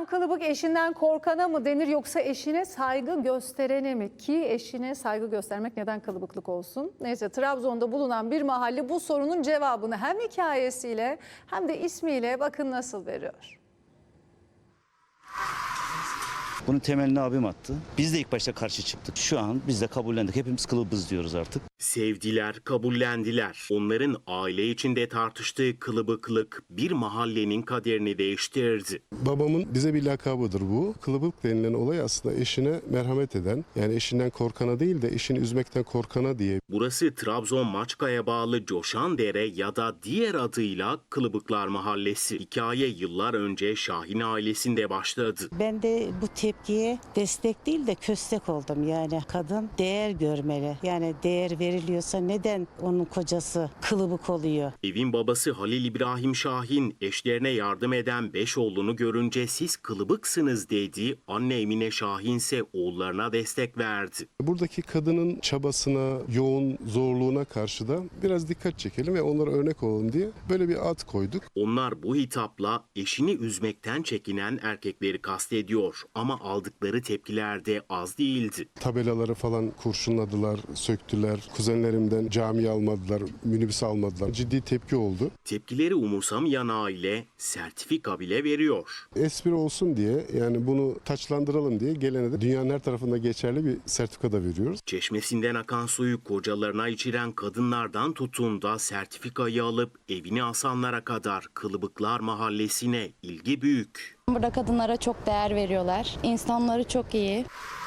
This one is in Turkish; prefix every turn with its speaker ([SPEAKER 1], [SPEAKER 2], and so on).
[SPEAKER 1] Hocam kılıbık eşinden korkana mı denir yoksa eşine saygı gösterene mi? Ki eşine saygı göstermek neden kılıbıklık olsun? Neyse, Trabzon'da bulunan bir mahalle bu sorunun cevabını hem hikayesiyle hem de ismiyle bakın nasıl veriyor.
[SPEAKER 2] Bunun temelini abim attı. Biz de ilk başta karşı çıktık. Şu an biz de kabullendik. Hepimiz kılıbız diyoruz artık.
[SPEAKER 3] Sevdiler, kabullendiler. Onların aile içinde tartıştığı kılıbıklık bir mahallenin kaderini değiştirdi.
[SPEAKER 4] Babamın bize bir lakabıdır bu. Kılıbık denilen olay aslında eşine merhamet eden, yani eşinden korkana değil de eşini üzmekten korkana diye.
[SPEAKER 3] Burası Trabzon Maçka'ya bağlı Coşandere ya da diğer adıyla Kılıbıklar Mahallesi. Hikaye yıllar önce Şahin ailesinde başladı.
[SPEAKER 5] Ben de bu tepkiye destek değil de köstek oldum. Yani kadın değer görmeli. Yani değer veriliyorsa neden onun kocası kılıbık oluyor?
[SPEAKER 3] Evin babası Halil İbrahim Şahin eşlerine yardım eden 5 oğlunu görünce siz kılıbıksınız dedi. Anne Emine Şahin ise oğullarına destek verdi.
[SPEAKER 4] Buradaki kadının çabasına, yoğun zorluğuna karşı da biraz dikkat çekelim ve onlara örnek olalım diye böyle bir ad koyduk.
[SPEAKER 3] Onlar bu hitapla eşini üzmekten çekinen erkekleri kastediyor ama aldıkları tepkiler de az değildi.
[SPEAKER 4] Tabelaları falan kurşunladılar, söktüler. Kuzenlerimden camiye almadılar, minibüs almadılar. Ciddi tepki oldu.
[SPEAKER 3] Tepkileri umursamayan aile sertifika bile veriyor.
[SPEAKER 4] Espri olsun diye, yani bunu taçlandıralım diye gelene de dünyanın her tarafında geçerli bir sertifika da veriyoruz.
[SPEAKER 3] Çeşmesinden akan suyu kocalarına içiren kadınlardan tutun da sertifikayı alıp evine asanlara kadar Kılıbıklar Mahallesi'ne ilgi büyük.
[SPEAKER 6] Burada kadınlara çok değer veriyorlar. İnsanları çok iyi.